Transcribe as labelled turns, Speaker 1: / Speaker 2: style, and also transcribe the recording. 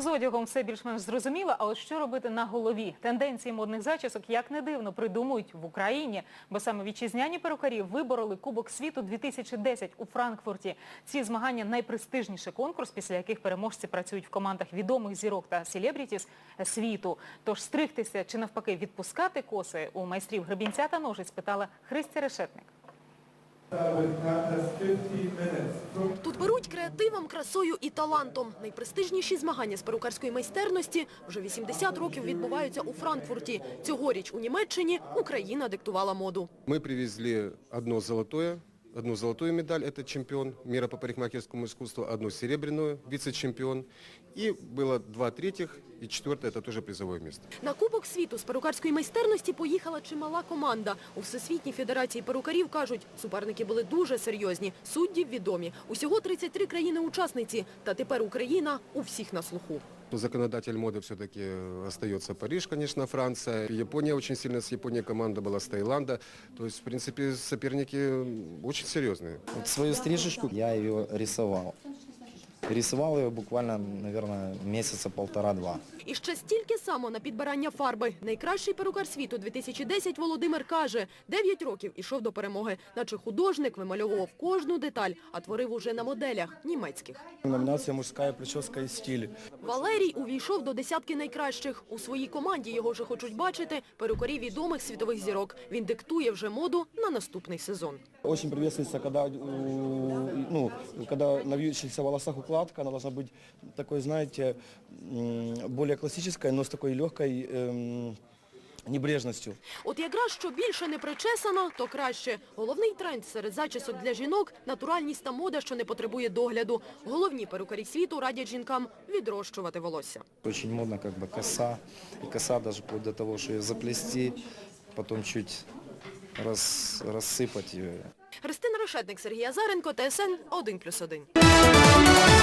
Speaker 1: одягом все більш-менш зрозуміло, а от що робити на голові? Тенденції модних зачісок, як не дивно, придумують в Україні. Бо саме вітчизняні перукарі вибороли Кубок світу 2010 у Франкфурті. Ці змагання – найпрестижніший конкурс, після яких переможці працюють в командах відомих зірок та селебрітіс світу. Тож стригтися чи навпаки відпускати коси у майстрів гребінця та ножиць питала Христя Решетник.
Speaker 2: Тут беруть креативом, красою і талантом. Найпрестижніші змагання з перукарської майстерності вже 80 років відбуваються у Франкфурті. Цьогоріч у Німеччині Україна диктувала моду.
Speaker 3: Мы привезли одну золотую медаль, это чемпион мира по парикмахерскому искусству, одну серебряную, вице-чемпион. И было 2 третьих, и 4 это тоже призовое место.
Speaker 2: На Кубок світу з перукарської майстерності поїхала чимала команда. У Всесвітній федерації перукарів кажуть, суперники були дуже серйозні, судді відомі. Усього 33 країни-учасниці, та тепер Україна у всіх на слуху.
Speaker 3: Законодатель моды все-таки остается Париж, конечно, Франция. Япония очень сильно, с Японией команда была, с Таиланда. То есть, в принципе, соперники очень серьезные.
Speaker 4: Вот свою стрижечку я ее рисовал. Рисовал ее буквально, наверное, месяца 1,5-2.
Speaker 2: І ще стільки само на підбирання фарби. Найкращий перукар світу 2010 Володимир каже, 9 років ішов до перемоги. Наче художник вимальовував кожну деталь, а творив уже на моделях німецьких.
Speaker 4: Номинация «Мужская прическа и стиль».
Speaker 2: Валерій увійшов до десятки найкращих. У своїй команді його вже хочуть бачити перукарі відомих світових зірок. Він диктує вже моду на наступний сезон.
Speaker 4: Очень приветствуется, когда на вьющихся волосах укладка, она должна быть такой, знаете, более классической, но с такой легкой небрежностью.
Speaker 2: От якраз що більше не причесано, то краще. Головний тренд серед зачісок для жінок – натуральність та мода, що не потребує догляду. Головні перукарі світу радять жінкам відрощувати волосся.
Speaker 4: Очень модно коса, и коса даже вплоть до того, что ее заплести, потом чуть рассыпать ее.
Speaker 2: Христина Решетник, Сергій Азаренко, ТСН 1+1.